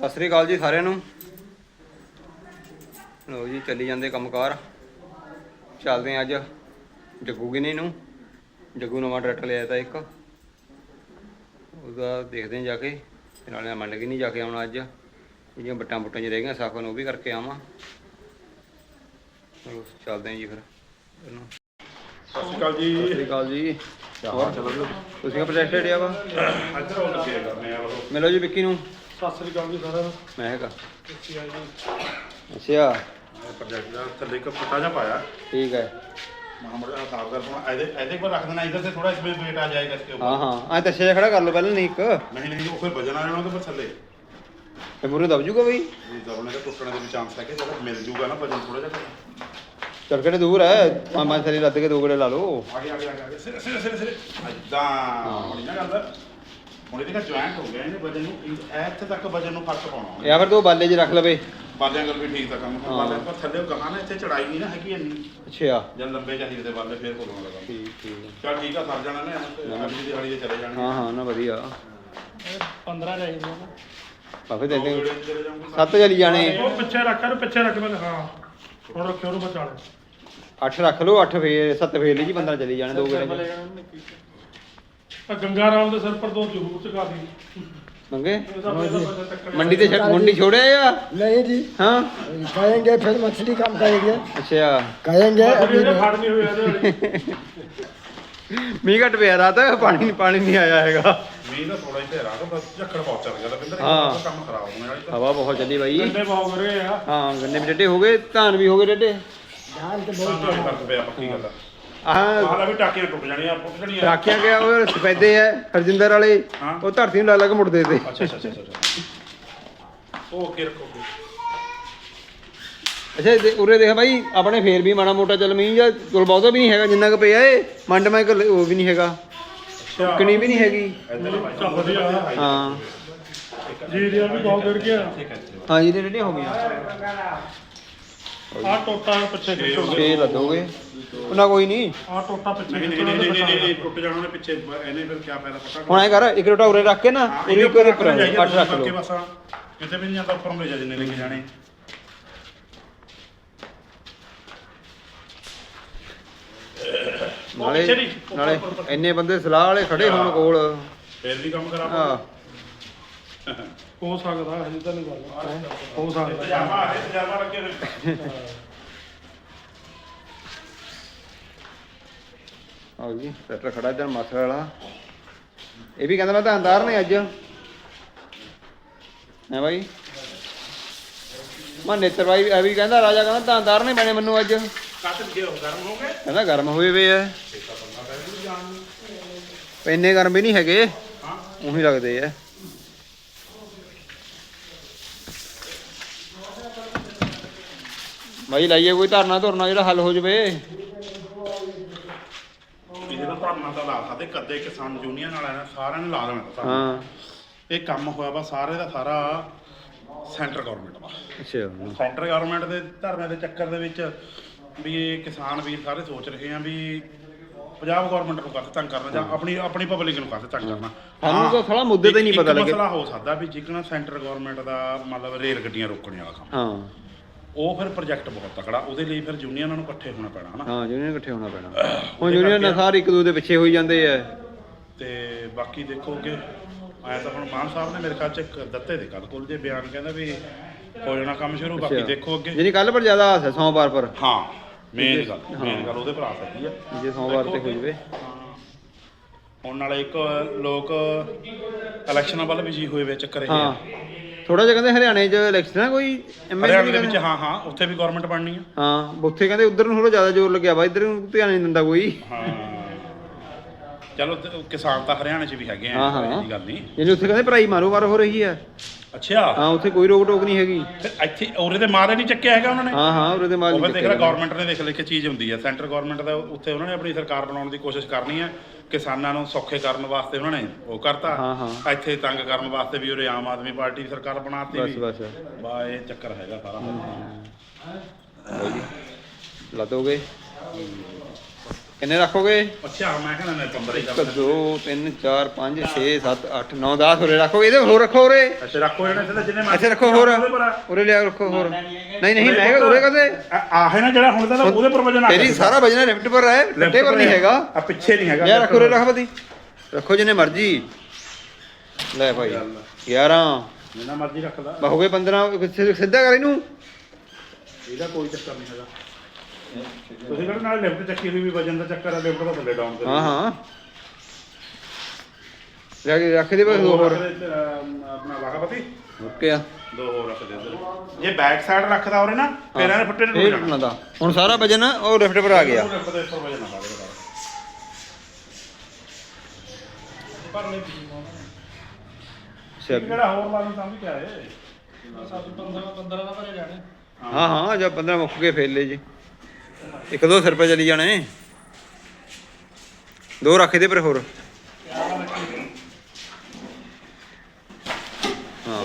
ਸਤਿ ਸ੍ਰੀ ਅਕਾਲ ਜੀ ਸਾਰਿਆਂ ਨੂੰ। ਲੋ ਜੀ ਚੱਲੀ ਜਾਂਦੇ ਕੰਮਕਾਰ। ਚੱਲਦੇ ਹਾਂ ਅੱਜ ਜੱਗੂ ਗਿਨੀ ਨੂੰ। ਜੱਗੂ ਨਵਾਂ ਟਰੈਕਟਰ ਲਿਆ ਤਾ ਇੱਕ, ਉਹਦਾ ਦੇਖਦੇ ਹਾਂ ਜਾ ਕੇ। ਤੇ ਨਾਲੇ ਮੰਡ ਗਿਨੀ ਜਾ ਕੇ ਆਉਣਾ ਅੱਜ। ਜਿਹੜੀਆਂ ਬੱਟਾਂ ਬੁੱਟਾਂ 'ਚ ਰਹਿ ਗਈਆਂ ਸਾਫਨ ਉਹ ਵੀ ਕਰਕੇ ਆਵਾਂ। ਚਲੋ ਚੱਲਦੇ ਹਾਂ ਜੀ ਫਿਰ ਇਹਨੂੰ। ਸਤਿ ਸ਼੍ਰੀ ਅਕਾਲ ਜੀ। ਸਤਿ ਸ੍ਰੀ ਅਕਾਲ ਜੀ। ਹੋਰ ਤੁਸੀਂ ਪ੍ਰੋਜੈਕਟ ਲਿਆ ਵਾ? ਇੱਧਰ ਉਹ ਲੱਗੇ ਕਰਨੇ ਆ ਉਹ। ਮਿਲੋ ਜੀ ਵਿੱਕੀ ਨੂੰ। ਸਤਿ ਸ਼੍ਰੀ ਅਕਾਲ ਜੀ ਸਾਰਿਆਂ ਨੂੰ। ਮੈਂ ਹੈਗਾ ਅੱਛਾ ਜੀ। ਅੱਛਾ ਪ੍ਰੋਜੈਕਟ ਦਾ ਥੱਲੇ ਇੱਕ ਫੁੱਟਾ ਜਿਹਾ ਪਾਇਆ। ਠੀਕ ਹੈ। ਮਾਮੜਾ ਸਾਫ ਕਰ ਪਾਉਣਾ। ਇਹਦੇ ਕੋਲ ਰੱਖ ਦੇਣਾ ਇੱਧਰ ਤੇ ਥੋੜਾ इसमें वेट आ जाएगा इसके ऊपर। ਹਾਂ ਹਾਂ ਐ ਤੱਛੇ ਜਿਹਾ ਖੜਾ ਕਰ ਲਓ ਪਹਿਲਾਂ ਨਹੀਂ ਇੱਕ। ਨਹੀਂ ਉਹ ਫਿਰ ਵਜਨ ਆ ਜਾਣਾ ਉਹਦੇ ਪਰ ਥੱਲੇ। ਤੇ ਮੂਰੇ ਦਬ ਜੂਗਾ ਬਈ। ਇਹ ਦਬਣੇ ਦਾ ਟੁੱਟਣੇ ਦੇ ਵੀ ਚਾਂਸ ਹੈ ਕਿ ਜਦੋਂ ਮਿਲ ਜੂਗਾ ਨਾ ਵਜਨ ਥੋੜਾ ਜਿਹਾ। ਚੱਲ ਕਿਹੜੇ ਦੂਰ ਹੈ ਪੰਜ ਥੱਲੇ ਲੱਦ ਕੇ ਦੋ ਗੇੜੇ ਲਾ ਲਓ। ਆਗੇ ਸਿਰ ਇਦਾਂ ਹੋਣੀ ਨਾ ਗੱਲ। ਹੁਣ ਇਹਦੇ ਨਾਲ ਜੁਆਇੰਟ ਹੋ ਗਿਆ ਇਹਨੇ ਵਜਨ ਨੂੰ ਇੱਥੇ ਤੱਕ ਵਜਨ ਨੂੰ ਫਰਕ ਪਾਉਣਾ। ਜਾਂ ਫਿਰ ਤੂੰ ਬਾਲੇ 'ਚ ਰੱਖ ਲਵੇ। ਬਾਲਿਆਂ ਗੱਲ ਵੀ ਠੀਕ ਤਾਂ ਕੰਮ ਬਾਲਿਆਂ ਪਰ ਥੱਲੇ ਗਾਹਾਂ ਨਾ ਇੱਥੇ ਚੜਾਈ ਨਹੀਂ ਨਾ ਹੈਗੀ ਇੰਨੀ। ਅੱਛਾ ਜਦ ਲੰਬੇ ਚਾਹੀਦੇ ਤੇ ਬਾਲੇ ਫੇਰ ਕੋਲੋਂ ਲਗਾ। ਠੀਕ ਠੀਕ ਚੱਲ ਠੀਕ ਆ ਸਰ ਜਾਣਾ ਨੇ ਅਗਲੀ ਦਿਹਾੜੀ ਦੇ ਚਲੇ ਜਾਣੇ। ਹਾਂ ਹਾਂ ਨਾ ਵਧੀਆ 15 ਚਾਹੀਦੇ ਨੇ ਬਾਕੀ ਦੇ ਦੇ ਚਲੇ ਜਾਊਂਗੇ 7 ਚਲੀ ਜਾਣੇ। ਉਹ ਪਿੱਛੇ ਰੱਖ ਇਹਨੂੰ ਪਿੱਛੇ ਰੱਖ ਮੈਂ ਹਾਂ ਹੁਣ ਰੱਖਿਓ ਉਹਨੂੰ ਬਚਾਲੇ 8 ਰੱਖ ਲਓ 8 ਫੇਰ 7 ਫੇਰ ਲਈ ਜੀ 15 ਚਲੀ ਜਾਣੇ ਦੋ ਗੇੜੇ। ਆ ਗੰਗਾ ਰਾਮ ਦੇ ਸਿਰ ਪਰ ਤੋਂ ਜ਼ਰੂਰ ਚਕਾ ਦੀ ਮੰਗੇ ਮੰਡੀ ਤੇ ਮੰਡੀ ਛੋੜਿਆ या नहीं जी हाँ कहेंगे फिर मछली काम करेंगे अच्छा कहेंगे अभी ਇਹਨੇ नहीं। ਫੜ ਨਹੀਂ ਹੋਇਆ ਇਹਦੇ ਮੀਂਹ ਘਟ ਪਿਆ ਰਾਤ ਪਾਣੀ ਨਹੀਂ ਆਇਆ ਹੈਗਾ। ਮੀਂਹ ਦਾ ਥੋੜਾ ਜਿਹਾ ਰਾਹ ਬਸ ਝੱਖੜ ਬਹੁਤ ਚੱਲ ਗਿਆ ਤਾਂ ਬਿੰਦਰ ਹਾਂ। ਕੰਮ ਖਰਾਬ ਹੋਣੇ ਵਾਲੀ ਤਾਂ ਹਵਾ ਬਹੁਤ ਚੱਲੀ ਬਾਈ। ਗੰਡੇ ਬਹੁਤ ਰਹੇ ਆ ਹਾਂ ਗੰਨੇ ਵੀ ਡੱਡੇ ਹੋ ਗਏ ਧਾਨ ਵੀ ਹੋ ਗਏ ਡੱਡੇ। धान तो ਤਾਂ बहुत ਨਾਲ ਫਰਕ ਪਿਆ ਪੱਕੀ ਗੱਲ ਆ। ਆਹ ਹਾਲਾ ਵੀ ਟਾਕੀਆਂ ਟੁੱਟ ਜਾਣੀਆਂ ਫੁੱਟ ਜਾਣੀਆਂ। ਰਾਖਿਆ ਗਿਆ ਉਹ ਸਫੈਦੇ ਐ ਹਰਜਿੰਦਰ ਵਾਲੇ ਹਾਂ। ਉਹ ਧਰਤੀ ਨੂੰ ਲਾ ਲਾ ਕੇ ਮੁੜਦੇ ਤੇ। ਅੱਛਾ ਓਕੇ ਰੱਖੋ ਅੱਛਾ ਉਰੇ ਦੇਖ ਬਾਈ ਆਪਣੇ ਫੇਰ ਵੀ ਮਾੜਾ ਮੋਟਾ ਚੱਲ ਮੀਂਹ ਜਾਂ ਕੋਲ ਬਹੁਤਾ ਵੀ ਨਹੀਂ ਹੈਗਾ ਜਿੰਨਾ ਕੁ ਪਿਆ ਏ ਮੰਡ ਮੈਂ ਉਹ ਵੀ ਨਹੀਂ ਹੈਗਾ ਸੁੱਕਣੀ ਵੀ ਨਹੀਂ ਹੈਗੀ। ਚੱਲ ਵਧੀਆ ਹਾਂ ਜੀ ਦੀਆਂ ਵੀ ਬਹੁਤ ਗਿਰ ਗਿਆ ਹਾਂ ਜੀ ਰੇਡੀਆਂ ਹੋ ਗਈਆਂ ਆ ਟੋਟਾ ਪਿੱਛੇ ਖਿੱਚੋ 6 ਲੱਦੋਗੇ ਉਹਨਾਂ ਕੋਈ ਨਹੀਂ। ਆ ਟੋਟਾ ਪਿੱਛੇ ਨਹੀਂ ਖਿੱਚੋ ਨਹੀਂ ਟੁੱਟ ਜਾਣਾ ਉਹਨੇ ਪਿੱਛੇ ਇਹਨੇ ਫਿਰ ਕੀ ਫਾਇਦਾ ਪਤਾ ਹੁਣ ਐ ਕਰ ਇੱਕ ਰੋਟਾ ਉਰੇ ਰੱਖ ਕੇ ਨਾ ਉਰੇ ਇੱਕ ਉਹਦੇ ਉੱਪਰ 8 ਰੱਖ ਲਓ। ਬਸ ਕਿਤੇ ਵੀ ਨਹੀਂ ਜਾਂਦਾ ਉੱਪਰ ਨੂੰ ਲੈ ਜਾ ਜਿੰਨੇ ਲੈ ਕੇ ਜਾਣੇ। ਨਾਲੇ ਇੰਨੇ ਬੰਦੇ ਸਲਾਹ ਵਾਲੇ ਖੜੇ ਹੋਣ ਕੋਲ ਫੇਰ ਵੀ ਕੰਮ ਖਰਾਬ ਹਾਂ ਹੋ ਸਕਦਾ ਹਜੇ ਤਾਂ ਨਹੀਂ ਗੱਲ ਹੋ ਸਕਦਾ ਤਜਰਬਾ ਲੱਗੇ ਹੋਏ। ਆਓ ਜੀ ਟਰੈਕਟਰ ਖੜਾ ਇੱਧਰ ਮਾਥਰ ਵਾਲਾ। ਇਹ ਵੀ ਕਹਿੰਦਾ ਮੈਂ ਤਾਂ ਅੰਦਾਰ ਨੇ ਅੱਜ ਹੈ ਬਾਈ। ਮੈਂ ਨੇਤਰ ਬਾਈ ਇਹ ਵੀ ਕਹਿੰਦਾ ਰਾਜਾ ਕਹਿੰਦਾ ਤਾਂ ਅੰਦਾਰ ਨੇ ਬਣੇ ਮੈਨੂੰ ਅੱਜ। ਕੱਟ ਗਏ ਗਰਮ ਹੋ ਗਏ। ਕਹਿੰਦਾ ਗਰਮ ਹੋਏ ਵੇ ਐ ਇੰਨੇ ਗਰਮ ਵੀ ਨਹੀਂ ਹੈਗੇ ਉਹੀ ਲੱਗਦੇ ਐ। ਬਾਈ ਲਾਈਏ ਕੋਈ ਧਰਨਾ ਧੁਰਨਾ ਜਿਹੜਾ ਹੱਲ ਹੋ ਜਵੇ। ਇਹਦੇ ਨਾਲ ਧਰਨਾ ਤਾਂ ਲਾ ਸਕਦੇ ਕਦੇ ਕਿਸਾਨ ਯੂਨੀਅਨ ਵਾਲਿਆਂ ਨੇ ਸਾਰਿਆਂ ਨੇ ਲਾ ਦੇਣਾ ਤਾਂ ਧਰਨਾ। ਹਾਂ ਇਹ ਕੰਮ ਹੋਇਆ ਵਾ ਸਾਰੇ ਦਾ ਸਾਰਾ ਸੈਂਟਰ ਗਵਰਨਮੈਂਟ ਦਾ। ਅੱਛਾ ਸੈਂਟਰ ਗਵਰਨਮੈਂਟ ਦੇ ਧਰਨੇ ਦੇ ਚੱਕਰ ਦੇ ਵਿੱਚ ਵੀ ਇਹ ਕਿਸਾਨ ਵੀਰ ਸਾਰੇ ਸੋਚ ਰਹੇ ਆ ਵੀ ਪੰਜਾਬ ਗਵਰਨਮੈਂਟ ਨੂੰ ਕਾਹਤੇ ਤੰਗ ਕਰਨਾ ਜਾਂ ਆਪਣੀ ਪਬਲਿਕ ਨੂੰ ਕਾਹਤੇ ਤੰਗ ਕਰਨਾ। ਸਾਨੂੰ ਤਾਂ ਥੋੜਾ ਮੁੱਦੇ ਤੇ ਨਹੀਂ ਪਤਾ ਲੱਗਿਆ। ਮਸਲਾ ਹੋ ਸਕਦਾ ਵੀ ਜਿਕਣਾ ਸੈਂਟਰ ਗਵਰਨਮੈਂਟ ਦਾ ਮਤਲਬ ਰੇਲ ਗੱਡੀਆਂ ਰੋਕਣ ਵਾਲਾ ਕੰਮ ਹਾਂ ਉਹ ਫਿਰ ਪ੍ਰੋਜੈਕਟ ਬਹੁਤ ਤਕੜਾ ਉਹਦੇ ਲਈ ਫਿਰ ਯੂਨੀਅਨਾਂ ਨੂੰ ਇਕੱਠੇ ਹੋਣਾ ਪੈਣਾ ਹਨਾ। ਹਾਂ ਯੂਨੀਅਨ ਇਕੱਠੇ ਹੋਣਾ ਪੈਣਾ। ਹੁਣ ਯੂਨੀਅਨ ਨਾਲ ਸਾਰੇ ਇੱਕ ਦੂਜੇ ਦੇ ਪਿੱਛੇ ਹੋਈ ਜਾਂਦੇ ਆ। ਤੇ ਬਾਕੀ ਦੇਖੋ ਕਿ ਆਇਆ ਤਾਂ ਹੁਣ ਮਾਨ ਸਾਹਿਬ ਨੇ ਮੇਰੇ ਖਿਆਲ ਚ ਇੱਕ ਦਿੱਤੇ ਦੇ ਕੱਲ ਕੋਲ ਜੇ ਬਿਆਨ ਕਹਿੰਦਾ ਵੀ ਹੋ ਜਾਣਾ ਕੰਮ ਸ਼ੁਰੂ। ਬਾਕੀ ਦੇਖੋ ਅੱਗੇ ਜਿਹਨੀ ਕੱਲ ਪਰ ਜ਼ਿਆਦਾ ਆਸ ਹੈ ਸੋਮਵਾਰ ਪਰ। ਹਾਂ ਮੇਨ ਗੱਲ ਉਹਦੇ ਪਰ ਆ ਸਕਦੀ ਆ ਜੇ ਸੋਮਵਾਰ ਤੇ ਹੋ ਜਵੇ। ਹੁਣ ਨਾਲੇ ਇੱਕ ਲੋਕ ਇਲੈਕਸ਼ਨਾਂ ਵੱਲ ਵੀ ਜੀ ਹੋਏ ਵੇ ਚੱਕਰ ਇਹ ਹਾਂ ਆ। ਥੋੜਾ ਜਿਹਾ ਕਹਿੰਦੇ ਹਰਿਆਣੇ 'ਚ ਇਲੈਕਸ਼ਨ ਆ ਕੋਈ ਹਰਿਆਣੇ ਦੇ ਵਿੱਚ ਹਾਂ ਉੱਥੇ ਵੀ ਗਵਰਨਮੈਂਟ ਬਣਨੀ ਆ। ਹਾਂ ਉੱਥੇ ਕਹਿੰਦੇ ਉਧਰ ਨੂੰ ਥੋੜਾ ਜ਼ਿਆਦਾ ਜ਼ੋਰ ਲੱਗਿਆ ਵਾ ਇੱਧਰ ਨੂੰ ਧਿਆਨ ਨਹੀਂ ਦਿੰਦਾ ਕੋਈ। ਹਾਂ ਚਲੋ ਕਿਸਾਨ ਤਾਂ ਹਰਿਆਣੇ 'ਚ ਵੀ ਹੈਗੇ ਆ ਹਾਂ ਇਹ ਗੱਲ ਨਹੀਂ। ਜਿਹਨੇ ਉੱਥੇ ਕਹਿੰਦੇ ਭਰਾਈ ਮਾਰੋ ਮਾਰ ਹੋ ਰਹੀ ਹੈ। ਅੱਛਾ ਹਾਂ ਉੱਥੇ ਕੋਈ ਰੋਕ ਟੋਕ ਨਹੀਂ ਹੈਗੀ। ਫਿਰ ਇੱਥੇ ਉਰੇ ਦੇ ਮਾਰੇ ਨਹੀਂ ਚੱਕਿਆ ਹੈਗਾ ਉਹਨਾਂ ਨੇ। ਹਾਂ ਹਾਂ ਉਰੇ ਦੇ ਮਾਲ ਉਹ ਨਹੀਂ ਫਿਰ ਦੇਖ ਲੈ ਗਵਰਨਮੈਂਟ ਨੇ ਦੇਖ ਲੈ ਕਿ ਚੀਜ਼ ਹੁੰਦੀ ਹੈ ਸੈਂਟਰ ਗਵਰਨਮੈਂਟ ਦਾ ਉੱਥੇ ਉਹਨਾਂ ਨੇ ਆਪਣੀ ਸਰਕਾਰ ਬਣਾਉਣ ਦੀ ਕੋਸ਼ਿਸ਼ ਕਰਨੀ ਹੈ। ਕਿਸਾਨਾਂ ਨੂੰ ਸੌਖੇ ਕਰਨ ਵਾਸਤੇ ਉਹਨਾਂ ਨੇ ਉਹ ਕਰਤਾ। ਹਾਂ ਹਾਂ ਇੱਥੇ ਤੰਗ ਕਰਨ ਵਾਸਤੇ ਵੀ ਉਰੇ ਆਮ ਆਦਮੀ ਪਾਰਟੀ ਦੀ ਸਰਕਾਰ ਬਣਾਤੀ ਬਸ ਵੀ ਬਸ ਬਾ ਇਹ ਚੱਕਰ ਹੈਗਾ ਸਾਰਾ। ਲੱਦੋਗੇ ਕਿੰਨੇ ਰੱਖੋਗੇ? ਅੱਛਾ ਮੈਂ ਕਹਿੰਦਾ ਮੈਂ 15 ਹੀ 1 ਕਰ 2 3 4 5 6 7 8 9 10 ਹੋਰੇ ਰੱਖੋਗੇ। ਇਹਦੇ ਹੋਰ ਰੱਖੋ ਉਰੇ, ਅੱਛਾ ਰੱਖੋ ਜਿਹੜੇ ਜਿੰਨੇ ਇੱਥੇ ਰੱਖੋ ਹੋਰ, ਉਰੇ ਲਿਆ ਰੱਖੋ ਹੋਰ। ਨਹੀਂ ਨਹੀਂ ਮੈਂ ਕਿਹਾ ਉਰੇ ਕਦੇ ਆਹੇ ਨਾ ਜਿਹੜਾ ਹੁਣ ਤਾਂ ਉਹਦੇ ਪਰ ਵਜਨ ਆ ਤੇਰੀ ਸਾਰਾ ਵਜਨ ਲਿਫਟ ਪਰ ਹੈ, ਲੱਟੇ ਪਰ ਨਹੀਂ ਹੈਗਾ। ਆ ਪਿੱਛੇ ਨਹੀਂ ਹੈਗਾ। ਲਿਆ ਰੱਖੋ ਉਰੇ, ਰੱਖ ਬਦੀ ਰੱਖੋ ਜਿੰਨੇ ਮਰਜੀ। ਲੈ ਭਾਈ 11 ਜਿੰਨਾ ਮਰਜ਼ੀ ਰੱਖ ਲਾ, ਹੋ ਗਏ 15। ਸਿੱਧਾ ਕਰ ਇਹਨੂੰ। ਇਹਦਾ ਕੋਈ ਚੱਕਰ ਨਹੀਂ ਹੈਗਾ। ਤੁਸੀਂ ਕਹਿੰਦੇ ਨਾਲ ਲਿਫਟ ਚੱਕੀ ਹੋਈ ਵੀ ਵਜਨ ਦਾ ਚੱਕਰ ਆ, ਲਿਫਟ ਦਾ ਥੱਲੇ ਡਾਊਨ ਕਰ। ਹਾਂ ਹਾਂ ਰੱਖ ਦੇ ਬਸ ਦੋ ਹੋਰ। ਆਪਣਾ ਵਾਗਾਪਤੀ ਓਕੇ ਆ, 2 ਹੋਰ ਰੱਖ ਦੇ ਇੱਧਰ। ਜੇ ਬੈਕ ਸਾਈਡ ਰੱਖਦਾ ਉਰੇ ਨਾ ਫਿਰ ਇਹਨੇ ਫੁੱਟੇ ਨੂੰ ਇਹ ਟੁੱਟਣਾ ਦਾ। ਹੁਣ ਸਾਰਾ ਵਜਨ ਉਹ ਲਿਫਟ ਪਰ ਆ ਗਿਆ। ਲਿਫਟ ਦੇ ਉੱਪਰ ਵਜਨ ਆ ਗਿਆ। ਭਰਨੇ ਪੀ ਕਿਹੜਾ ਹੋਰ ਲਾ ਨੂੰ ਸਮਝ ਕੇ ਆਏ। 15 ਦਾ ਭਰੇ ਜਾਣੇ। ਹਾਂ ਹਾਂ ਜਦ 15 ਮੁੱਕ ਗਏ ਫੇਰ ਲੈ ਜੀ। 1-2 ਸਿਰ ਪੇ ਚਲੀ ਜਾਣੇ। 2 ਰੱਖ ਦੇ ਪਰ ਹੋਰ। ਹਾਂ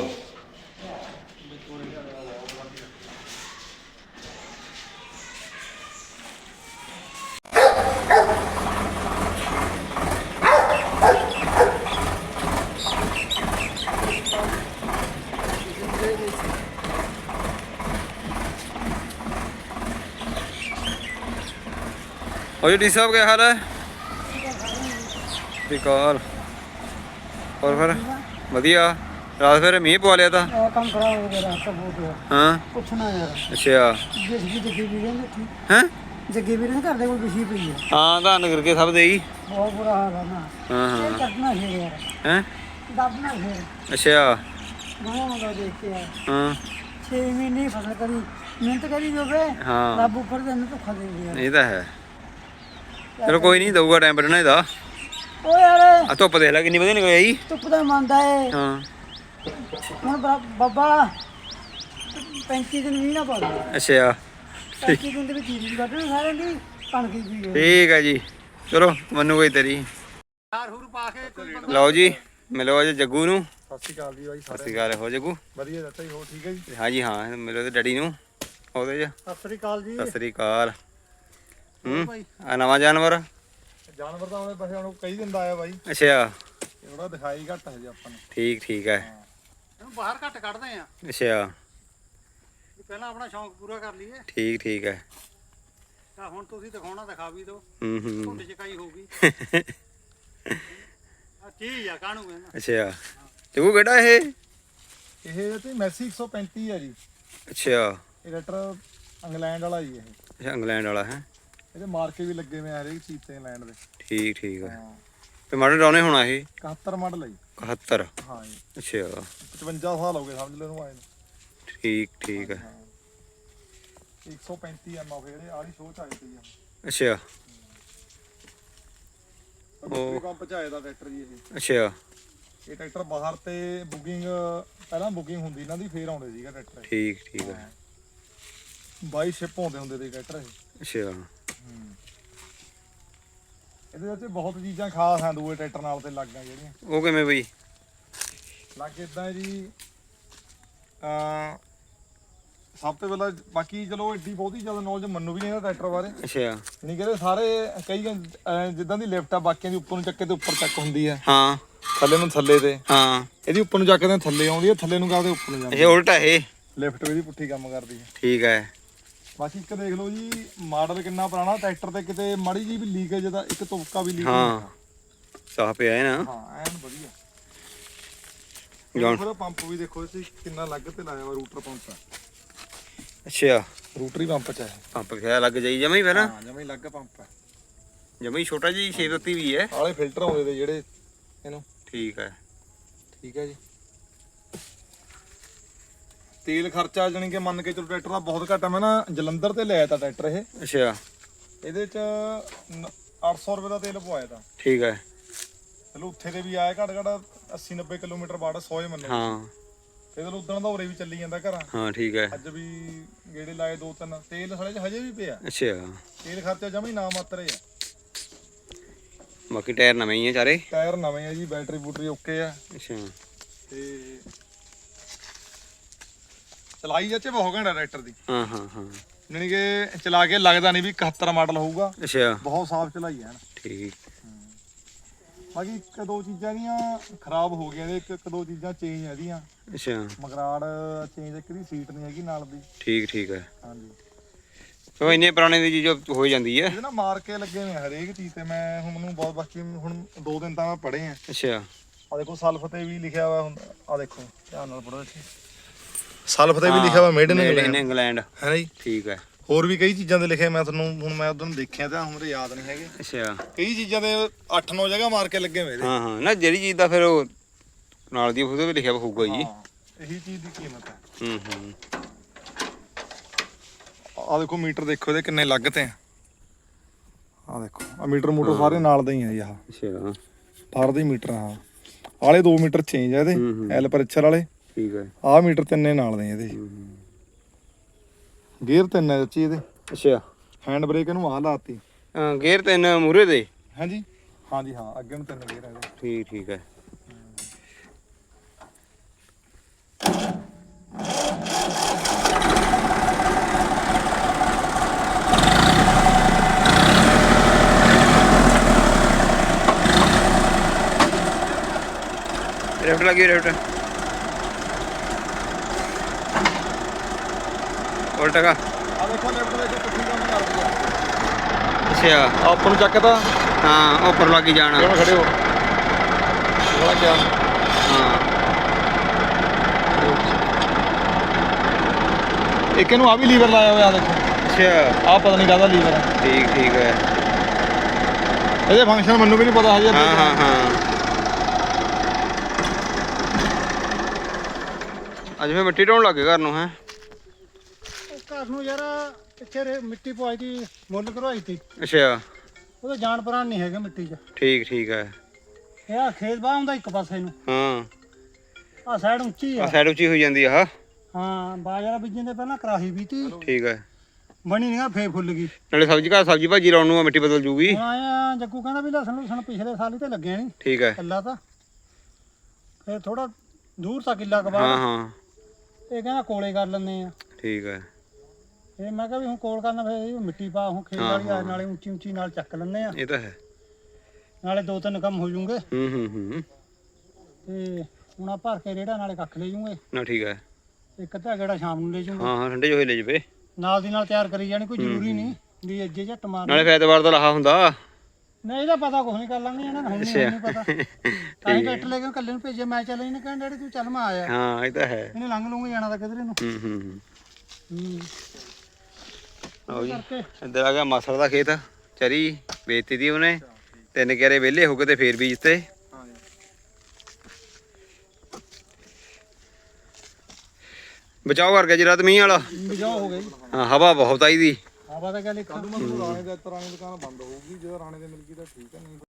और डी साहब क्या हाल है? बिकाल और फिर वधिया। रात फिर मीह पवा लिया था। काम खराब हो गया रास्ता बहुत है। हाँ कुछ ना यार अच्छा जिसकी जग्गी भी रहने थी, हैं? जग्गी भी रहने कर दे कोई बिछी पई है। हाँ धान करके सब दे ही। बहुत बुरा हाल है ना। हाँ हाँ कटना है यार, हैं? दबना है। अच्छा गाँव में देख के यार हाँ 6 महीने फसल करी, मेहनत करी जो बे हाँ रब ऊपर देने तो खा देंगे यार। ये तो है। चलो कोई नहीं दूंगा टाइम बढ़ना ਇਹਦਾ। ओ यार ਆ ਧੁੱਪ ਦੇਖ ਲੈ ਕਿੰਨੀ ਵਧੀਆ ਨਿਕਲ ਆਈ। ਧੁੱਪ ਦਾ ਮੰਨਦਾ ਹੈ ਹਾਂ ਹੁਣ ਬਾਬਾ 35 ਦਿਨ ਵੀ ਨਾ ਪਾ ਦੇ। ਅੱਛਾ 35 ਦਿਨ ਦੇ ਵਿੱਚ ਜੀਰੀ ਕੱਢਣੀ ਸਾਰਿਆਂ ਦੀ ਕਣਕ ਦੀ ਗਈ। ਠੀਕ ਹੈ ਜੀ। ਚਲੋ ਮੈਨੂੰ ਕੋਈ ਤੇਰੀ ਹਾਰ ਹੂਰ ਪਾ ਕੇ ਲਓ ਜੀ ਮਿਲੋ ਅੱਜ ਜੱਗੂ ਨੂੰ। ਸਤਿ ਸ਼੍ਰੀ ਅਕਾਲ ਜੀ ਬਾਈ ਸਤਿ ਸ਼੍ਰੀ ਅਕਾਲ। ਹੋ ਜੱਗੂ? ਵਧੀਆ ਦੱਸੋ ਜੀ, ਹੋਰ ਠੀਕ ਹੈ ਜੀ? ਹਾਂ ਜੀ ਹਾਂ ਮਿਲੋ ਤੇ ਡੈਡੀ ਨੂੰ ਉਹਦੇ ਚ। ਸਤਿ ਸ੍ਰੀ ਅਕਾਲ ਜੀ। ਸਤਿ ਸ਼੍ਰੀ ਅਕਾਲ। ਆ ਨਵਾਂ ਜਾਨਵਰ। ਜਾਨਵਰ ਤਾਂ ਉਹਦੇ ਪਾਸੇ ਹੁਣ ਕਈ ਦਿਨ ਦਾ ਆਇਆ ਬਾਈ, ਅੱਛਾ ਥੋੜਾ ਦਿਖਾਈ ਘੱਟ ਹੈ ਜੀ ਆਪਾਂ ਨੂੰ। ਠੀਕ ਠੀਕ ਹੈ। ਇਹਨੂੰ ਬਾਹਰ ਘੱਟ ਕੱਢਦੇ ਆ ਅੱਛਾ ਪਹਿਲਾਂ ਆਪਣਾ ਸ਼ੌਂਕ ਪੂਰਾ ਕਰ ਲਈਏ। ਠੀਕ ਠੀਕ ਹੈ। ਤਾਂ ਹੁਣ ਤੁਸੀਂ ਦਿਖਾਉਣਾ ਦਿਖਾ ਵੀ ਦਿਓ। ਹੂੰ ਢੁੱਡ ਚਕਾਈ ਹੋਊਗੀ ਆ ਚੀਜ਼ ਆ ਕਾਹਨੂੰ ਕਹਿੰਦਾ। ਅੱਛਾ ਜੱਗੂ ਕਿਹੜਾ ਇਹ? ਇਹ ਤੇ ਮੈਸੀ 135 ਹੈ ਜੀ। ਅੱਛਾ ਇਹ ਲੈਟਰ ਇੰਗਲੈਂਡ ਵਾਲਾ ਜੀ ਇਹ। ਅੱਛਾ ਇੰਗਲੈਂਡ ਵਾਲਾ ਹੈ। ਇਹਦੇ ਮਾਰਕੇ ਵੀ ਲੱਗੇ ਹੋਏ ਆ ਹਰੇਕ ਚੀਜ਼ ਤੇ ਇੰਗਲੈਂਡ ਦੇ। ਠੀਕ ਠੀਕ ਹੈ। ਹਾਂ ਤੇ ਮਾਡਲ ਡਾਉਨੇ ਹੋਣਾ ਇਹ 71 ਮਾਡਲ ਹੈ ਜੀ। 71। ਹਾਂ ਜੀ ਅੱਛਾ 55 ਸਾਲ ਹੋ ਗਏ ਸਮਝ ਲਓ ਇਹਨੂੰ ਆਏ ਨੂੰ। ਠੀਕ ਠੀਕ ਹੈ। 135 ਐਮ ਆਫ ਜਿਹੜੇ ਆੜੀ ਸ਼ੋਅ ਚ ਆਏ ਸੀ ਜੀ। ਅੱਛਾ ਉਹ ਪੰਪ ਚ ਆਇਆ ਦਾ ਟਰੈਕਟਰ ਜੀ ਇਹ। ਅੱਛਾ ਇਹ ਟਰੈਕਟਰ ਬਾਹਰ ਤੇ ਬੁਕਿੰਗ ਪਹਿਲਾਂ ਬੁਕਿੰਗ ਹੁੰਦੀ ਇਹਨਾਂ ਦੀ, ਫੇਰ ਆਉਂਦੇ ਸੀਗਾ ਟਰੈਕਟਰ। ਠੀਕ ਠੀਕ ਹੈ। 22 ਸ਼ਿਪ ਹੁੰਦੇ ਹੁੰਦੇ ਸੀ ਟਰੈਕਟਰ ਇਹ। ਅੱਛਾ ਇਹਦੇ ਵਿੱਚ ਬਹੁਤ ਚੀਜ਼ਾਂ ਖਾਸ ਹਨ ਦੂਏ ਟਰੈਕਟਰ ਨਾਲ ਤੇ ਲੱਗਾਂ ਜਿਹੜੀਆਂ। ਉਹ ਕਿਵੇਂ ਬਈ? ਲੱਗ ਇਦਾਂ ਜੀ ਸਭ ਤੋਂ ਪਹਿਲਾਂ ਬਾਕੀ ਚਲੋ ਏਡੀ ਬਹੁਤੀ ਜ਼ਿਆਦਾ ਨੌਲੇਜ ਮੈਨੂੰ ਵੀ ਨਹੀਂ ਇਹਦਾ ਟਰੈਕਟਰ ਬਾਰੇ। ਅੱਛਾ ਨਹੀਂ ਕਹਿੰਦੇ ਸਾਰੇ ਕਈ ਜਿੱਦਾਂ ਦੀ ਲਿਫਟ ਆ ਬਾਕੀਆਂ ਦੀ ਉੱਪਰ ਨੂੰ ਚੱਕੇ ਤੇ ਉੱਪਰ ਚੱਕ ਹੁੰਦੀ ਆ, ਹਾਂ ਥੱਲੇ ਨੂੰ ਥੱਲੇ ਤੇ। ਹਾਂ ਇਹਦੀ ਉੱਪਰ ਨੂੰ ਚੱਕਦੇ ਥੱਲੇ ਆਉਂਦੀ ਆ, ਥੱਲੇ ਨੂੰ ਕਰਦੇ ਉੱਪਰ ਨੂੰ ਜਾਂਦੀ ਇਹ ਉਲਟਾ ਇਹ। ਲਿਫਟ ਵੀ ਇਹਦੀ ਪੁੱਠੀ ਕੰਮ ਕਰਦੀ ਹੈ। ਠੀਕ ਹੈ। ਬਾਕੀ ਇੱਕ ਦੇਖ ਲਓ ਜੀ ਮਾਡਲ ਕਿੰਨਾ ਪੁਰਾਣਾ ਟਰੈਕਟਰ ਤੇ ਕਿਤੇ ਮਾੜੀ ਜੀ ਵੀ ਲੀਕੇਜ ਦਾ ਇੱਕ ਤੁਪਕਾ ਵੀ ਲੀਕ ਹਾਂ ਸਾਹ ਪਿਆ ਹੈ ਨਾ। ਹਾਂ ਐਨ ਵਧੀਆ। ਜਾਣ ਉਹਦਾ ਪੰਪ ਵੀ ਦੇਖੋ ਤੁਸੀਂ ਕਿੰਨਾ ਲੱਗ ਤੇ ਲਾਇਆ ਵਾ, ਰੂਟਰ ਪੰਪ ਆ। ਅੱਛਾ ਰੂਟਰੀ ਪੰਪ ਚ ਹੈ। ਪੰਪ ਖਿਆ ਲੱਗ ਜਾਈ ਜਮਾ ਹੀ ਫਿਰ। ਹਾਂ ਜਮਾ ਹੀ ਲੱਗ ਪੰਪ ਹੈ। ਜਮਾ ਹੀ ਛੋਟਾ ਜੀ 632 ਵੀ ਹੈ। ਆਲੇ ਫਿਲਟਰ ਆਉਂਦੇ ਤੇ ਜਿਹੜੇ ਇਹਨੂੰ। ਠੀਕ ਹੈ। ਠੀਕ ਹੈ ਜੀ। ਤੇਲ ਖਰਚਾ ਜਾਣੀ ਕਿ ਮੰਨ ਕੇ ਚਲੋ ਟਰੈਕਟਰ ਦਾ ਬਹੁਤ ਘੱਟ ਆ। ਮੈਂ ਨਾ ਜਲੰਧਰ ਤੇ ਲਿਆਇਆ ਤਾਂ ਟਰੈਕਟਰ ਇਹ। ਅੱਛਾ ਇਹਦੇ ਚ 800 ਰੁਪਏ ਦਾ ਤੇਲ ਪਵਾਇਆ ਤਾਂ। ਠੀਕ ਹੈ। ਚਲੋ ਉੱਥੇ ਦੇ ਵੀ ਆਇਆ ਘੱਟ ਘੱਟ 80-90 ਕਿਲੋਮੀਟਰ ਬਾਅਦ 100 ਹੀ ਮੰਨੋ। ਹਾਂ ਤੇ ਚਲੋ ਉਦੋਂ ਦਾ ਉਰੇ ਵੀ ਚੱਲੀ ਜਾਂਦਾ ਘਰਾਂ। ਹਾਂ ਠੀਕ ਹੈ। ਅੱਜ ਵੀ ਗੇੜੇ ਲਾਏ 2-3 ਤੇਲ ਸਾਲੇ ਚ ਹਜੇ ਵੀ ਪਿਆ। ਅੱਛਾ ਤੇਲ ਖਰਚਾ ਜਮਾ ਹੀ ਨਾ ਮਾਤਰ ਆ। ਬਾਕੀ ਟਾਇਰ ਨਵੇਂ ਹੀ ਆ ਸਾਰੇ। ਟਾਇਰ ਨਵੇਂ ਆ ਜੀ, ਬੈਟਰੀ ਬੂਟਰੀ ਓਕੇ ਆ। ਅੱਛਾ ਤੇ ਚਲਾਈ ਚਾਚੇ ਬਹੁਤ ਘੰਟਾ ਟਰੈਕਟਰ ਦੀ। ਹਾਂ ਹਾਂ ਹਾਂ ਯਾਨੀ ਕਿ ਚਲਾ ਕੇ ਲੱਗਦਾ ਨਹੀਂ ਵੀ 71 ਮਾਡਲ ਹੋਊਗਾ। ਅੱਛਾ ਬਹੁਤ ਸਾਫ਼ ਚਲਾਈ ਹੈ। ਠੀਕ। ਬਾਕੀ ਇੱਕ ਦੋ ਚੀਜ਼ਾਂ ਦੀਆਂ ਖਰਾਬ ਹੋ ਗਈਆਂ ਨੇ, ਇੱਕ ਦੋ ਚੀਜ਼ਾਂ ਚੇਂਜ ਹੈ ਇਹਦੀਆਂ। ਅੱਛਾ ਮਗਰਾੜ ਚੇਂਜ, ਇੱਕ ਦੀ ਸੀਟ ਨਹੀਂ ਹੈਗੀ ਨਾਲ ਦੀ। ਠੀਕ ਠੀਕ ਹੈ। ਹਾਂਜੀ ਉਹ ਇੰਨੇ ਪੁਰਾਣੇ ਦੀ ਚੀਜ਼ ਹੋ ਜਾਂਦੀ ਹੈ। ਇਹ ਨਾ ਮਾਰ ਕੇ ਲੱਗੇ ਹੋਏ ਹਰੇਕ ਚੀਜ਼ ਤੇ। ਮੈਂ ਹੁਣ ਮੈਨੂੰ ਬਹੁਤ ਬਾਕੀ ਹੁਣ 2 ਦਿਨ ਤਾਂ ਮੈਂ ਪੜ੍ਹੇ ਆ। ਅੱਛਾ ਆ ਦੇਖੋ ਸਲਫ ਤੇ ਵੀ ਲਿਖਿਆ ਹੋਇਆ ਹੁੰਦਾ, ਆ ਦੇਖੋ ਧਿਆਨ ਨਾਲ ਪੜੋ ਇੱਥੇ ਸਲਫ ਤੇ ਵੀ ਲਿਖਿਆ ਹੋਇਆ ਮੇਡ ਇਨ ਇੰਗਲੈਂਡ। ਹੈ ਜੀ। ਠੀਕ ਹੈ। ਹੋਰ ਵੀ ਕਈ ਚੀਜ਼ਾਂ ਤੇ ਲਿਖਿਆ, ਮੈਂ ਤੁਹਾਨੂੰ ਹੁਣ ਮੈਂ ਉਦੋਂ ਦੇਖਿਆ ਤਾਂ ਹੁਣ ਮੇਰੇ ਯਾਦ ਨਹੀਂ ਹੈਗੇ। ਅੱਛਾ ਕਈ ਚੀਜ਼ਾਂ ਤੇ 8-9 ਜਗ੍ਹਾ ਮਾਰ ਕੇ ਲੱਗੇ ਹੋਏ ਇਹਦੇ। ਹਾਂ ਹਾਂ ਨਾ ਜਿਹੜੀ ਚੀਜ਼ ਦਾ ਫਿਰ ਉਹ ਨਾਲ ਦੀ ਉਹਦੇ ਵੀ ਲਿਖਿਆ ਹੋਊਗਾ ਜੀ। ਇਹੀ ਚੀਜ਼ ਦੀ ਕੀਮਤ ਹੈ। ਹੂੰ। ਆ ਦੇਖੋ ਮੀਟਰ ਦੇਖੋ ਇਹਦੇ ਕਿੰਨੇ ਲੱਗ ਤੇ ਆ ਦੇਖੋ ਆ ਮੀਟਰ ਮੋਟਰ ਸਾਰੇ ਨਾਲ ਦੇ ਹੀ ਆ ਜੀ। ਆਹ ਅੱਛਾ ਫਾਰ ਦੇ ਮੀਟਰ ਆ ਆਲੇ 2 ਮੀਟਰ ਚੇਂਜ ਆ ਇਹਦੇ ਐਲ ਪ੍ਰੈਸ਼ਰ ਵਾਲੇ। ਠੀਕ ਹੈ। ਆਹ ਮੀਟਰ ਤਿੰਨੇ ਨਾਲ ਦੇ ਇਹਦੇ। ਗੇਅਰ 3 ਹੈ ਚਾਚੀ ਇਹਦੇ। ਅੱਛਾ ਹੈਂਡ ਬ੍ਰੇਕ ਇਹਨੂੰ ਆਹ ਲਾਤੀ। ਗੇਅਰ 3 ਮੂਰੇ ਦੇ। ਹਾਂਜੀ ਹਾਂਜੀ ਹਾਂ ਅੱਗੇ ਨੂੰ 3 ਗੇਅਰ ਆ ਇਹਦੇ। ਠੀਕ ਠੀਕ ਹੈ। लेफ्ट लगी लेफ्ट उल्टा का। ਆ ਦੇਖੋ ਲੈਫਟ ਦੇ ਕਿੱਥੇ ਕੰਮ ਕਰਦੀ ਆ। अच्छा ਆਪਾਂ ਨੂੰ ਚੱਕਦਾ हाँ ऊपर लगी जाना। ਕਿਵੇਂ ਖੜੇ ਹੋ ਬੜਾ ਕਿਆ हाँ ਇੱਕ ਇਹਨੂੰ ਆ ਵੀ ਲੀਵਰ ਲਾਇਆ ਹੋਇਆ ਆ ਦੇਖੋ। अच्छा ਆ ਪਤਾ ਨਹੀਂ ਕਾਹਦਾ ਲੀਵਰ ਹੈ। ठीक ठीक है। ਇਹਦੇ ਫੰਕਸ਼ਨ ਮੈਨੂੰ ਵੀ ਨਹੀਂ ਪਤਾ ਹਜੇ। हाँ हाँ हाँ ਅੱਜ ਮੈਂ ਮਿੱਟੀ ਢੋਣ ਲੱਗੇ ਘਰ ਨੂੰ ਹੈ। ਘਰ ਨੂੰ ਯਾਰ ਪਿੱਛੇ ਮਿੱਟੀ ਪਵਾਈ ਦੀ, ਮੁੱਲ ਕਰਵਾਈ ਤੀ। ਅੱਛਾ ਉਹਦਾ ਜਾਣ ਪ੍ਰਾਣ ਨਹੀਂ ਹੈਗਾ ਮਿੱਟੀ 'ਚ। ਠੀਕ ਠੀਕ ਹੈ। ਇਹ ਆ ਖੇਤ ਬਾਹ ਹੁੰਦਾ ਇੱਕ ਪਾਸੇ ਨੂੰ, ਹਾਂ ਆ ਸਾਈਡ ਉੱਚੀ ਆ ਆ। ਸਾਈਡ ਉੱਚੀ ਹੋਈ ਜਾਂਦੀ ਆ। ਹਾਂ ਬਾਜਰਾ ਬੀਜਣ ਦੇ ਪਹਿਲਾਂ ਕਰਾਹੀ ਵੀ ਤੀ, ਠੀਕ ਹੈ। ਬਣੀ ਨਹੀਂ, ਫੇਰ ਫੁੱਲ ਗਈ। ਨਾਲੇ ਸਬਜ਼ੀ ਘਰ ਸਬਜ਼ੀ ਭਾਜੀ ਲਾਉਣ ਨੂੰ ਮਿੱਟੀ ਬਦਲ ਜੂਗੀ। ਹੁਣ ਆਇਆ ਜੱਗੂ ਕਹਿੰਦਾ ਵੀ ਲਸਣ ਲੁਸਣ ਪਿਛਲੇ ਸਾਲ ਹੀ ਤੇ ਲੱਗਿਆ ਨਹੀਂ ਠੀਕ ਹੈ। ਕੱਲਾ ਤਾਂ, ਫੇਰ ਥੋੜਾ ਦੂਰ ਤਾਂ ਕਿੱਲਾ ਕੁ ਹਾਂ ਬਾਅਦ ਹਾਂ ਇਹ ਕਹਿੰਦਾ ਕੋਲੇ ਕਰ ਲੈਂਦੇ ਆ। ਠੀਕ ਹੈ। ਇਹ ਮੈਂ ਕਿਹਾ ਵੀ ਹੁਣ ਕੋਲ ਕਰਨਾ, ਫੇਰ ਇਹ ਮਿੱਟੀ ਪਾ ਹੁਣ ਖੇਤ ਵਾਲੀ ਆ, ਨਾਲੇ ਉੱਚੀ ਉੱਚੀ ਨਾਲ ਚੱਕ ਲੈਂਦੇ ਆ, ਇਹ ਤਾਂ ਹੈ। ਨਾਲੇ 2-3 ਕੰਮ ਹੋ ਜੂਗੇ। ਹੂੰ ਤੇ ਹੁਣ ਆ ਭਰ ਕੇ ਰੇੜਾ ਨਾਲੇ ਕੱਖ ਲੈ ਜੂਗੇ। ਨਾ ਠੀਕ ਹੈ। ਇੱਕ ਅੱਧਾ ਗੇੜਾ ਸ਼ਾਮ ਨੂੰ ਲੈ ਜੂਗੇ। ਹਾਂ ਹਾਂ ਠੰਡੇ ਜੋ ਹੋਏ ਲੈ ਜਵੇ। ਨਾਲ ਦੀ ਨਾਲ ਤਿਆਰ ਕਰੀ ਜਾਣੀ, ਕੋਈ ਜ਼ਰੂਰੀ ਨਹੀਂ ਵੀ ਅੱਜੇ ਝੱਟ ਮਾਰ। ਨਾਲੇ ਫੈਤਵਾਰ ਦਾ ਲਾਹਾ ਹੁੰਦਾ। ਨਹੀਂ ਇਹਦਾ ਪਤਾ ਕੁਛ ਨਹੀਂ, ਕਰ ਲਾਂਗੇ ਇਹਨਾਂ ਨੂੰ, ਹੁਣ ਨਹੀਂ ਪਤਾ। ਤਾਂ ਹੀ ਟਰੈਕਟਰ ਲੈ ਕੇ ਕੱਲੇ ਨੂੰ ਭੇਜਿਆ, ਮੈਂ ਚੱਲ ਇਹਨੇ ਕਹਿੰਦਾ ਡੈਡੀ ਤੂੰ ਚੱਲ, ਮੈਂ ਆਇਆ। ਹਾਂ ਇਹ ਤਾਂ ਹੈ। ਇਹਨੇ ਲੰਘ ਲੂੰਗੇ ਜਾਣਾ ਤਾਂ ਕਿਧਰੇ ਨੂੰ। ਆਓ ਜੀ ਕਰਕੇ ਇੱਧਰ ਆ ਗਿਆ ਮਾਸੜ ਦਾ ਖੇਤ। ਚਰੀ ਵੇਚਤੀ ਦੀ ਉਹਨੇ, 3 ਕਿਆਰੇ ਵਿਹਲੇ ਹੋ ਗਏ ਤੇ ਫੇਰ ਬੀਜਤੇ। ਬਚਾਓ ਕਰ ਗਿਆ ਜੀ ਰਾਤ ਮੀਂਹ ਵਾਲਾ। ਬਜਾਓ ਹੋ ਗਈ। ਹਾਂ ਹਵਾ ਬਹੁਤ ਆਈ ਦੀ। ਹਵਾ ਤਾਂ ਗੱਲ ਇੱਕ ਰਾਣੇ ਦੇ ਰਾਣੇ ਦੁਕਾਨ ਬੰਦ ਹੋਊਗੀ, ਜਦੋਂ ਰਾਣੇ ਦੇ ਮਿਲ ਗਈ ਤਾਂ ਠੀਕ ਹੈ। ਨਹੀਂ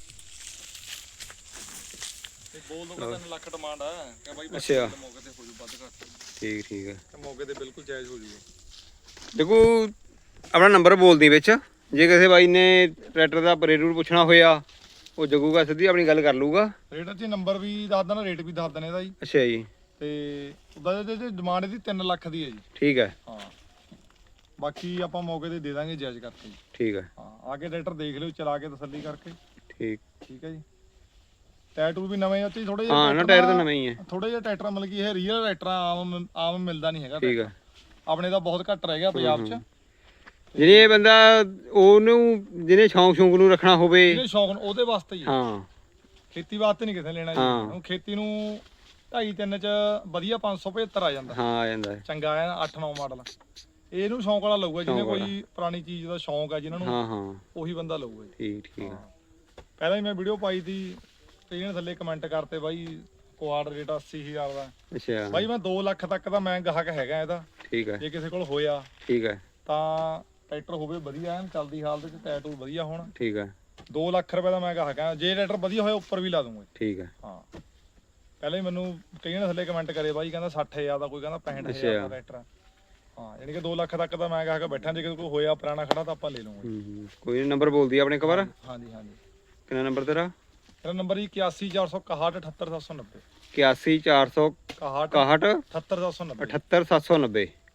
ਤੇ ਬੋਲ ਦੋ 3 ਲੱਖ ਡਿਮਾਂਡ ਆ ਕਿ ਬਾਈ ਅੱਛਾ ਮੌਕੇ ਤੇ ਹੋ ਜੂ ਵੱਧ ਘੱਟ। ਠੀਕ ਠੀਕ ਹੈ। ਤੇ ਮੌਕੇ ਤੇ ਬਿਲਕੁਲ ਜਾਇਜ਼ ਹੋ ਜੂਗਾ। ਦੇਖੋ ਆਪਣਾ ਨੰਬਰ ਬੋਲਦੀ ਵਿੱਚ, ਜੇ ਕਿਸੇ ਬਾਈ ਨੇ ਟਰੈਕਟਰ ਦਾ ਰੇਟ ਪੁੱਛਣਾ ਹੋਇਆ ਉਹ ਜਗੂਗਾ ਸਿੱਧੀ ਆਪਣੀ ਗੱਲ ਕਰ ਲੂਗਾ। ਰੇਟ ਤੇ ਨੰਬਰ ਵੀ ਦੱਸ ਦੇਣਾ, ਰੇਟ ਵੀ ਦੱਸ ਦੇਣਾ ਇਹਦਾ ਜੀ। ਅੱਛਾ ਜੀ। ਤੇ ਉਹਦਾ ਜਿਹੜੀ ਡਿਮਾਂਡ ਇਹਦੀ 3 ਲੱਖ ਦੀ ਹੈ ਜੀ। ਠੀਕ ਹੈ। ਹਾਂ ਬਾਕੀ ਆਪਾਂ ਮੌਕੇ ਤੇ ਦੇ ਦਾਂਗੇ ਜਾਇਜ਼ ਕਰਕੇ ਜੀ। ਠੀਕ ਹੈ। ਹਾਂ ਆ ਕੇ ਟਰੈਕਟਰ ਦੇਖ ਲਿਓ, ਚਲਾ ਕੇ ਤਸੱਲੀ ਕਰਕੇ। ਠੀਕ ਠੀਕ ਹੈ ਜੀ। ਟਾਇਰ ਟੂਰ ਵੀ ਨਵੇਂ ਉੱਤੇ ਥੋੜੇ ਹਾਂ ਨਾ ਟਾਇਰ ਤਾਂ ਨਵੇਂ ਹੀ ਹੈ। ਥੋੜੇ ਜਿਹਾ ਟਰੈਕਟਰ ਮਤਲਬ ਕਿ ਇਹ ਰੀਅਲ ਟਰੈਕਟਰ ਆਮ ਮਿਲਦਾ ਨਹੀਂ ਹੈਗਾ। ਠੀਕ ਹੈ। ਆਪਣੇ ਦਾ ਬਹੁਤ ਘੱਟ ਰਹਿ ਗਿਆ ਪੰਜਾਬ 'ਚ। ਜਿਹੜੇ ਇਹ ਬੰਦਾ ਉਹਨੂੰ ਜਿਹਨੇ ਸ਼ੌਂਕ ਨੂੰ ਰੱਖਣਾ ਹੋਵੇ, ਇਹਨੇ ਸ਼ੌਕ ਉਹਦੇ ਵਾਸਤੇ ਹੀ। ਹਾਂ ਖੇਤੀ ਵਾਸਤੇ ਨਹੀਂ ਕਿਸੇ ਨੇ ਲੈਣਾ ਜੀ। ਹਾਂ। ਹੁਣ ਖੇਤੀ ਨੂੰ 2.5-3 ਚ ਵਧੀਆ 575 ਆ ਜਾਂਦਾ। ਹਾਂ ਆ ਜਾਂਦਾ ਹੈ। ਚੰਗਾ ਆ 8-9 ਮਾਡਲ। ਇਹਨੂੰ ਸ਼ੌਂਕ ਵਾਲਾ ਲਊਗਾ, ਜਿਹਨੇ ਕੋਈ ਪੁਰਾਣੀ ਚੀਜ਼ ਦਾ ਸ਼ੌਂਕ ਆ ਜਿਹਨਾਂ ਨੂੰ, ਹਾਂ ਹਾਂ ਉਹੀ ਬੰਦਾ ਲਊਗਾ ਜੀ। ਠੀਕ ਠੀਕ ਹੈ। ਪਹਿਲਾਂ ਹੀ ਮੈਂ ਵੀਡੀਓ ਪਾਈ ਤੀ ਤੇ ਇਹਨੇ ਥੱਲੇ ਕਮੈਂਟ ਕਰਤੇ ਬਾਈ ਕੁਆਡ ਰੇਟ 80,000 ਦਾ। ਅੱਛਾ ਬਾਈ ਮੈਂ 2 ਲੱਖ ਤੱਕ ਦਾ ਮੈਂ ਗਾਹਕ ਹੈਗਾ ਇਹਦਾ। ਠੀਕ ਹੈ। ਜੇ ਕਿਸੇ ਕੋਲ ਹੋਇਆ ਠੀਕ ਹੈ। ਤਾਂ ਟਰੈਕਟਰ ਹੋਵੇ ਵਧੀਆ ਐਨ ਚੱਲਦੀ ਹਾਲਤ ਚ, ਟਾਇਰ ਟੂਰ ਵਧੀਆ ਹੋਣ। ਠੀਕ ਹੈ। 2 ਲੱਖ ਰੁਪਏ ਦਾ ਮੈਂ ਗਾਹਕ ਆ। ਜੇ ਟਰੈਕਟਰ ਵਧੀਆ ਹੋਇਆ ਉੱਪਰ ਵੀ ਲਾ ਦੂੰਗਾ। ਠੀਕ ਹੈ। ਹਾਂ ਪਹਿਲਾਂ ਹੀ ਮੈਨੂੰ ਕਈਆਂ ਨੇ ਥੱਲੇ ਕਮੈਂਟ ਕਰੇ ਬਾਈ, ਕਹਿੰਦਾ 60,000 ਦਾ, ਕੋਈ ਕਹਿੰਦਾ 65,000 ਦਾ ਟਰੈਕਟਰ। ਹਾਂ ਯਾਨੀ ਕਿ 2 ਲੱਖ ਤੱਕ ਦਾ ਮੈਂ ਗਾਹਕ ਬੈਠਾ। ਜੇ ਕਿਸੇ ਕੋਲ ਹੋਇਆ ਪੁਰਾਣਾ ਖੜਾ ਤਾਂ ਆਪਾਂ ਲੈ ਲਵਾਂਗੇ। ਕੋਈ ਨੰਬਰ ਬੋਲਦੀ ਆਪਣੇ ਇੱਕ ਵਾਰ। ਹਾਂਜੀ ਹਾਂਜੀ। ਕਿੰਨਾ ਨੰਬਰ ਤੇਰਾ? ਮੇਰਾ ਨੰਬਰ ਜੀ 814661 78790। 81 461 78790। 789।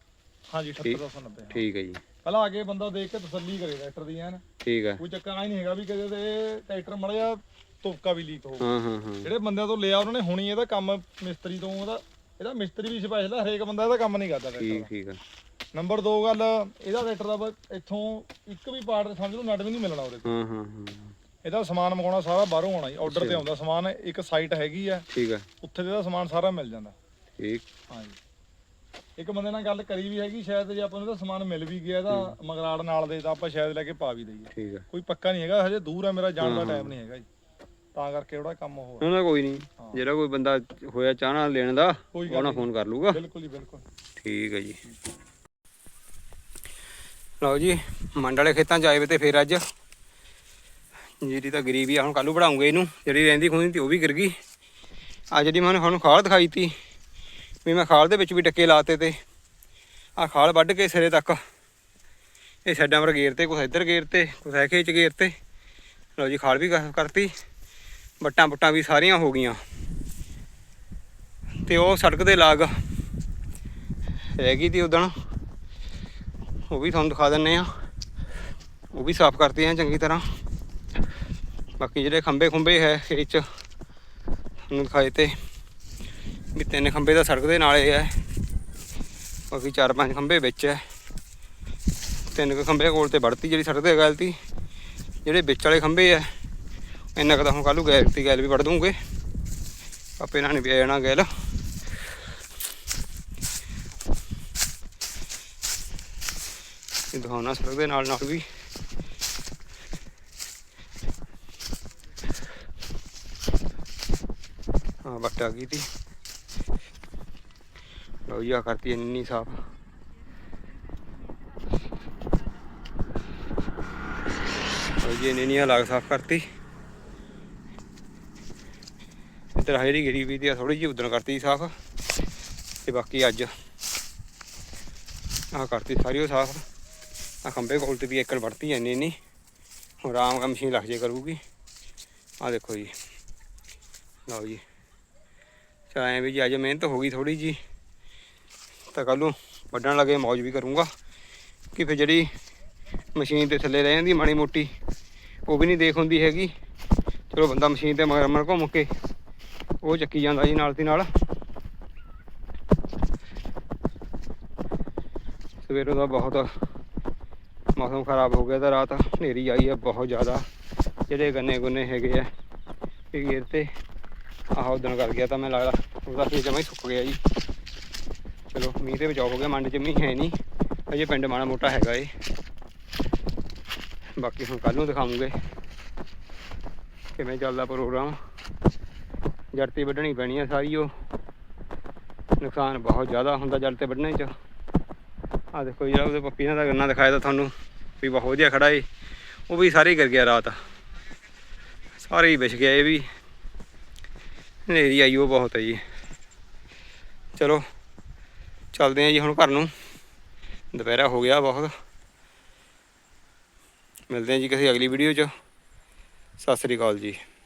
ਹਾਂਜੀ 78290। ਠੀਕ ਹੈ ਜੀ, ਪਹਿਲਾਂ ਆ ਕੇ ਬੰਦਾ ਦੇਖ ਕੇ ਤਸੱਲੀ ਕਰੇ ਟਰੈਕਟਰ ਦੀ ਐਨ, ਠੀਕ ਹੈ। ਕੋਈ ਚੱਕਰ ਆਈ ਨਹੀਂ ਹੈਗਾ ਵੀ ਕਦੇ ਤੇ ਟਰੈਕਟਰ ਮੜ ਜਾ ਤੁਪਕਾ ਵੀ ਲੀਕ ਹੋ। ਹਾਂ ਹਾਂ ਹਾਂ, ਜਿਹੜੇ ਬੰਦਿਆਂ ਤੋਂ ਲਿਆ ਉਹਨਾਂ ਨੇ ਹੁਣੀ ਇਹਦਾ ਕੰਮ ਮਿਸਤਰੀ ਤੋਂ ਇਹਦਾ ਮਿਸਤਰੀ ਵੀ ਸਪੈਸ਼ਲ ਆ, ਹਰੇਕ ਬੰਦਾ ਇਹਦਾ ਕੰਮ ਨਹੀਂ ਕਰਦਾ ਟਰੈਕਟਰ ਠੀਕ ਦਾ। ਠੀਕ ਹੈ। ਨੰਬਰ 2 ਗੱਲ, ਇਹਦਾ ਟਰੈਕਟਰ ਦਾ ਇੱਥੋਂ ਇੱਕ ਵੀ ਪਾਰਟ ਸਮਝ ਲਓ ਨਟ ਵੀ ਨਹੀਂ ਮਿਲਣਾ ਉਹਦੇ ਤੋਂ। ਹਾਂ ਹਾਂ ਹਾਂ, ਇਹਦਾ ਸਮਾਨ ਮੰਗਾਉਣਾ ਸਾਰਾ ਬਾਹਰੋਂ ਆਉਣਾ ਜੀ, ਆਰਡਰ ਤੇ ਆਉਂਦਾ ਸਮਾਨ। ਇੱਕ ਸਾਈਟ ਹੈਗੀ ਆ, ਠੀਕ ਹੈ। ਉੱਥੇ ਤੇ ਇਹਦਾ ਸਮਾਨ ਸਾਰਾ ਮਿਲ ਜਾਂਦਾ। ਠੀਕ। ਹਾਂਜੀ, ਇੱਕ ਬੰਦੇ ਨਾਲ ਗੱਲ ਕਰੀ ਵੀ ਹੈਗੀ, ਸ਼ਾਇਦ ਜੇ ਆਪਾਂ ਨੂੰ ਇਹਦਾ ਸਮਾਨ ਮਿਲ ਵੀ ਗਿਆ ਇਹਦਾ ਮਗਰਾੜ ਨਾਲ ਦੇ ਤਾਂ ਆਪਾਂ ਸ਼ਾਇਦ ਲੈ ਕੇ ਪਾ ਵੀ ਦਈਏ। ਠੀਕ ਹੈ। ਕੋਈ ਪੱਕਾ ਨਹੀਂ ਹੈਗਾ, ਹਜੇ ਦੂਰ ਆ, ਮੇਰਾ ਜਾਣ ਦਾ ਟਾਈਮ ਨਹੀਂ ਹੈਗਾ ਜੀ, ਤਾਂ ਕਰਕੇ ਉਹਦਾ ਕੰਮ ਹੋ ਨਾ ਕੋਈ ਨਹੀਂ, ਜਿਹੜਾ ਕੋਈ ਬੰਦਾ ਹੋਇਆ ਚਾਹਣਾ ਲੈਣ ਦਾ ਉਹਨਾਂ ਫੋਨ ਕਰ ਲੂਗਾ। ਬਿਲਕੁਲ ਜੀ ਬਿਲਕੁਲ। ਠੀਕ ਹੈ ਜੀ। ਲਓ ਜੀ, ਮੰਡ ਵਾਲੇ ਖੇਤਾਂ 'ਚ ਆਏ ਵੇ ਤੇ ਫਿਰ ਅੱਜ ਜਿਹੜੀ ਤਾਂ ਗਰੀਬੀ ਆ, ਹੁਣ ਕੱਲ੍ਹ ਨੂੰ ਵਧਾਉਂਗੇ ਇਹਨੂੰ। ਜਿਹੜੀ ਰਹਿੰਦੀ ਖੁੰਦੀ ਤੀ ਉਹ ਵੀ ਗਿਰ ਗਈ। ਆ ਜਿਹੜੀ ਮੈਂ ਤੁਹਾਨੂੰ ਖਾਲ ਦਿਖਾਈ ਤੀ ਵੀ ਮੈਂ ਖਾਲ ਦੇ ਵਿੱਚ ਵੀ ਟੱਕੇ ਲਾਤੇ ਤੇ ਆਹ ਖਾਲ ਵੱਢ ਕੇ ਸਿਰੇ ਤੱਕ ਇਹ ਸਾਈਡਾਂ ਪਰ ਗੇਰ ਤੇ, ਕੁਛ ਇੱਧਰ ਗੇਰ ਤੇ, ਕੁਛ ਐ ਖੇਚ ਗੇਰ ਤੇ। ਲਓ ਜੀ, ਖਾਲ ਵੀ ਕਰਤੀ, ਵੱਟਾਂ ਬੁੱਟਾਂ ਵੀ ਸਾਰੀਆਂ ਹੋ ਗਈਆਂ। ਤੇ ਉਹ ਸੜਕ ਦੇ ਲਾਗ ਰਹਿ ਗਈ ਤੀ ਉਦਣ, ਉਹ ਵੀ ਤੁਹਾਨੂੰ ਦਿਖਾ ਦਿੰਦੇ ਆ। ਉਹ ਵੀ ਸਾਫ਼ ਕਰਤੇ ਆ ਚੰਗੀ ਤਰ੍ਹਾਂ। ਬਾਕੀ ਜਿਹੜੇ ਖੰਭੇ ਖੁੰਭੇ ਹੈ ਖੇਤ 'ਚ ਤੁਹਾਨੂੰ ਦਿਖਾਏ ਤੇ ਵੀ 3 ਖੰਭੇ ਤਾਂ ਸੜਕ ਦੇ ਨਾਲੇ ਹੈ, ਬਾਕੀ 4-5 ਖੰਭੇ ਵਿੱਚ ਹੈ। 3 ਕੁ ਖੰਭੇ ਕੋਲ ਤੇ ਵੜਤੀ ਜਿਹੜੀ ਸੜਕ ਤੇ ਗੱਲ ਤੀ। ਜਿਹੜੇ ਵਿੱਚ ਵਾਲੇ ਖੰਭੇ ਹੈ ਇੰਨਾ ਕੁ ਤਾਂ ਹੁਣ ਕੱਲ੍ਹ ਨੂੰ ਗੈਲ ਵੀ ਵੜ ਦੂੰਗੇ, ਆਪੇ ਨਾਲ ਨਹੀਂ ਪਿਆ ਜਾਣਾ ਗੈਲ। ਦਿਖਾਉਣਾ ਸੜਕ ਦੇ ਨਾਲ ਨਾਲ ਵੀ। ਹਾਂ, ਵੱਟ ਆ ਗਈ ਤੀ। ਲਓ ਜੀ, ਆ ਕਰਤੀ ਇੰਨੀ ਸਾਫ਼। ਲਓ ਜੀ, ਇੰਨੀ ਲਾਗ ਸਾਫ਼ ਕਰਤੀ। ਇੱਧਰ ਆ ਜਿਹੜੀ ਗਿਰੀ ਵੀ ਤੀ ਥੋੜ੍ਹੀ ਜਿਹੀ ਉਦਣ ਕਰਤੀ ਸਾਫ਼, ਤੇ ਬਾਕੀ ਅੱਜ ਆਹ ਕਰਤੀ ਸਾਰੀ ਉਹ ਸਾਫ਼। ਆ ਖੰਭੇ ਕੋਲ ਤੇ ਵੀ ਏਕੜ ਵੜਤੀ ਇੰਨੀ ਹੁਣ ਆਰਾਮ ਨਾਲ ਮਸ਼ੀਨ ਲੱਗ ਜੇ ਕਰੂਗੀ। ਆਹ ਦੇਖੋ ਜੀ। ਲਓ ਜੀ, ਚਲ ਐਂ ਵੀ ਜੀ ਅੱਜ ਮਿਹਨਤ ਹੋ ਗਈ ਥੋੜ੍ਹੀ ਜੀ, ਤਾਂ ਕੱਲ੍ਹ ਨੂੰ ਵੱਢਣ ਲੱਗੇ ਮੌਜ ਵੀ ਕਰੂੰਗਾ। ਕਿ ਫਿਰ ਜਿਹੜੀ ਮਸ਼ੀਨ ਦੇ ਥੱਲੇ ਰਹਿ ਜਾਂਦੀ ਮਾੜੀ ਮੋਟੀ, ਉਹ ਵੀ ਨਹੀਂ ਦੇਖ ਹੁੰਦੀ ਹੈਗੀ। ਚਲੋ ਬੰਦਾ ਮਸ਼ੀਨ 'ਤੇ ਮਗਰ ਘੁੰਮ ਕੇ ਉਹ ਚੱਕੀ ਜਾਂਦਾ ਜੀ ਨਾਲ ਦੀ ਨਾਲ। ਸਵੇਰੋਂ ਦਾ ਬਹੁਤ ਮੌਸਮ ਖਰਾਬ ਹੋ ਗਿਆ, ਤਾਂ ਰਾਤ ਹਨੇਰੀ ਆਈ ਹੈ ਬਹੁਤ ਜ਼ਿਆਦਾ। ਜਿਹੜੇ ਗੰਨੇ ਗੁੰਨੇ ਹੈਗੇ ਆ ਇਹ ਗੇਰ ਤੇ ਆਹ ਉਦਣ ਕਰ ਗਿਆ, ਤਾਂ ਮੈਂ ਲੱਗਦਾ ਉਹਦਾ ਖੇਤ ਜਮਾਂ ਹੀ ਸੁੱਕ ਗਿਆ ਜੀ। ਚਲੋ ਮੀਂਹ ਤੇ ਬਚਾਅ ਹੋ ਗਿਆ, ਮੰਡ 'ਚ ਮੀਂਹ ਹੈ ਨਹੀਂ ਅਜੇ, ਪਿੰਡ ਮਾੜਾ ਮੋਟਾ ਹੈਗਾ ਏ। ਬਾਕੀ ਹੁਣ ਕੱਲ੍ਹ ਨੂੰ ਦਿਖਾਵਾਂਗੇ ਕਿਵੇਂ ਚੱਲਦਾ ਪ੍ਰੋਗਰਾਮ। ਜੜ 'ਤੇ ਵੱਢਣੀ ਪੈਣੀ ਆ ਸਾਰੀ, ਉਹ ਨੁਕਸਾਨ ਬਹੁਤ ਜ਼ਿਆਦਾ ਹੁੰਦਾ ਜੜ 'ਤੇ ਵੱਢਣੇ 'ਚ। ਆਹ ਦੇਖੋ ਜਿਹੜਾ ਉਹਦੇ ਪੱਪੀਆਂ ਦਾ ਗੰਨਾ ਦਿਖਾਇਆ ਤਾਂ ਤੁਹਾਨੂੰ ਵੀ ਬਹੁਤ ਵਧੀਆ ਖੜਾ ਏ, ਉਹ ਵੀ ਸਾਰੇ ਗਿਰ ਗਿਆ ਰਾਤ, ਸਾਰੇ ਹੀ ਵਿਛ ਗਿਆ। ਇਹ ਵੀ ਹਨੇਰੀ ਆਈ ਉਹ ਬਹੁਤ ਹੈ ਜੀ। ਚਲੋ ਚੱਲਦੇ ਹਾਂ ਜੀ ਹੁਣ ਘਰ ਨੂੰ, ਦੁਪਹਿਰਾ ਹੋ ਗਿਆ ਬਹੁਤ। ਮਿਲਦੇ ਹਾਂ ਜੀ ਕਿਸੇ ਅਗਲੀ ਵੀਡੀਓ 'ਚ। ਸਤਿ ਸ੍ਰੀ ਅਕਾਲ ਜੀ।